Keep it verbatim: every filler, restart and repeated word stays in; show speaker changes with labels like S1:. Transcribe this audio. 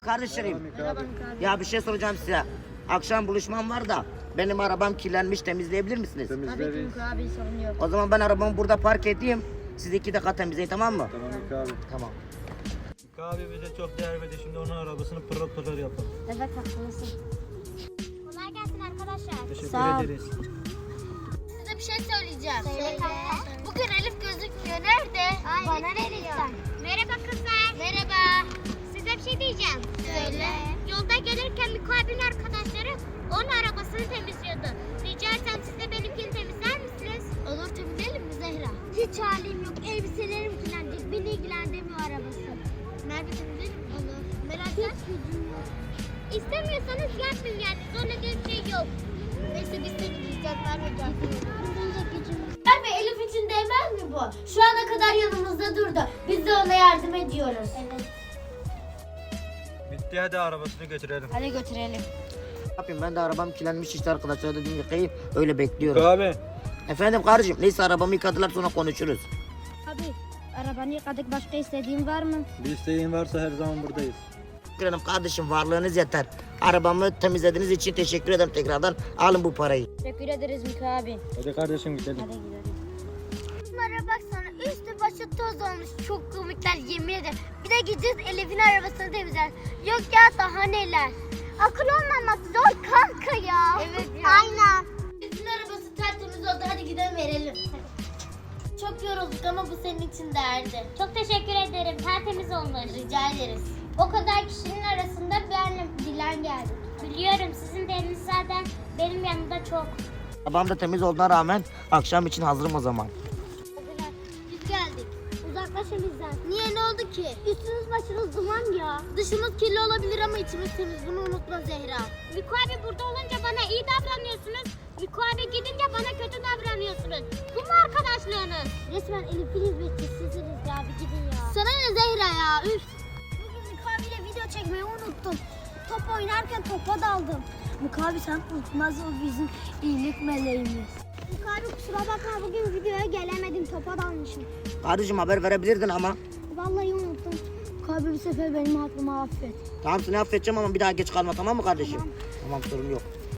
S1: Kardeşlerim,
S2: Merhaba abi.
S1: ya bir şey soracağım size. Akşam buluşmam var da benim arabam kirlenmiş, temizleyebilir misiniz?
S2: Tabii ki
S3: Temizleriz.
S2: Miko abi, sorun yok.
S1: O zaman ben arabamı burada park edeyim. Siz iki dakika temizleyin, tamam mı?
S3: Tamam Mika abi.
S1: Tamam.
S4: Mika abi bize çok değer verdi. Şimdi onun arabasını pırıl pırıl yapalım.
S2: Evet, haklısın.
S5: Kolay gelsin arkadaşlar.
S4: Teşekkür
S2: Sağ ol.
S4: ederiz.
S5: Size bir şey söyleyeceğim.
S2: Söyle kanka.
S5: Bugün Elif gözükmüyor. Nerede? Bana ne diyorsun? Merhaba kızlar. Merhaba. Size bir şey diyeceğim. Söyle. Yolda gelirken Miko abinin arkadaşları onun arabasını temizliyordu. Rica etsem siz de benimkini temizler misiniz? Olur, temizleyelim mi Zehra? Hiç halim yok. Elbiselerim kirlenecek. Beni ilgilendirmiyor arabası. Merve temizleyelim mi? Olur. Merak etme. Hiç gücüm yok. İstemiyorsanız yapmayın yani. Sonra bir şey yok. Neyse biz temizleyeceğiz. Merve gel. Benim de gücüm yok.
S6: Merve, Elif için değmez mi bu? Şu ana kadar yanımızda durdu. Biz de ona yardım ediyoruz.
S5: Evet.
S4: Bitti, hadi arabasını götürelim.
S2: Hadi götürelim.
S1: Ne yapayım, ben de arabam kirlenmiş işte arkadaşlar, dedim yıkayayım, öyle bekliyorum.
S4: Mika abi.
S1: Efendim kardeşim, neyse arabamı yıkadılar, sonra konuşuruz.
S2: Abi, arabanı yıkadık. Başka istediğin var mı?
S4: Bir isteğin varsa her zaman buradayız.
S1: Teşekkür ederim kardeşim, varlığınız yeter. Arabamı temizlediğiniz için teşekkür ederim tekrardan. Alın bu parayı.
S2: Teşekkür ederiz Miko abi.
S4: Hadi kardeşim gidelim.
S2: Hadi gidelim.
S5: Bunlara baksana, üstü başı toz olmuş. Çok komikler, yemin ederim. Bir de gideceğiz Elif'in arabasını temizler. Yok ya, daha neler. Akıl olmamak zor kanka ya. Evet ya. Aynen.
S6: Elif'in arabası tertemiz oldu. Hadi gidelim verelim. Çok yorulduk ama bu senin için değerli.
S5: Çok teşekkür ederim. Tertemiz olmuş.
S6: Rica ederiz. O kadar kişinin arasında benle Dilan geldik.
S5: Biliyorum, sizin de eliniz zaten benim yanımda çok.
S1: Arabam da temiz olduğuna rağmen akşam için hazırım o zaman.
S5: Biz geldik. Uzaklaşın bizden. Niye, ne oldu ki? Üstünüz başınız duman ya. Dışımız kirli olabilir ama içimiz temiz. Bunu unutma Zehra. Miko abi burada olunca bana iyi davranıyorsunuz. Miko abi gidince bana kötü davranıyorsunuz. Bu mu arkadaşlığınız? Resmen Elif'in hizmetçisisiniz ya. Bir gidin ya. Sana ne Zehra ya? Üf. Bugün Miko abiyle video çekmeyi unuttum. Top oynarken topa daldım.
S2: Miko abi sen unutmaz, o bizim iyilik meleğimiz.
S5: Miko abi kusura bakma, bugün videoya gelemedim. Topa dalmışım.
S1: Kardeşim haber verebilirdin ama.
S5: Vallahi unuttum.
S2: Miko abi bu sefer benim hakkımı affet.
S1: Tamam, seni affedeceğim ama bir daha geç kalma, tamam mı kardeşim? Tamam, sorun yok.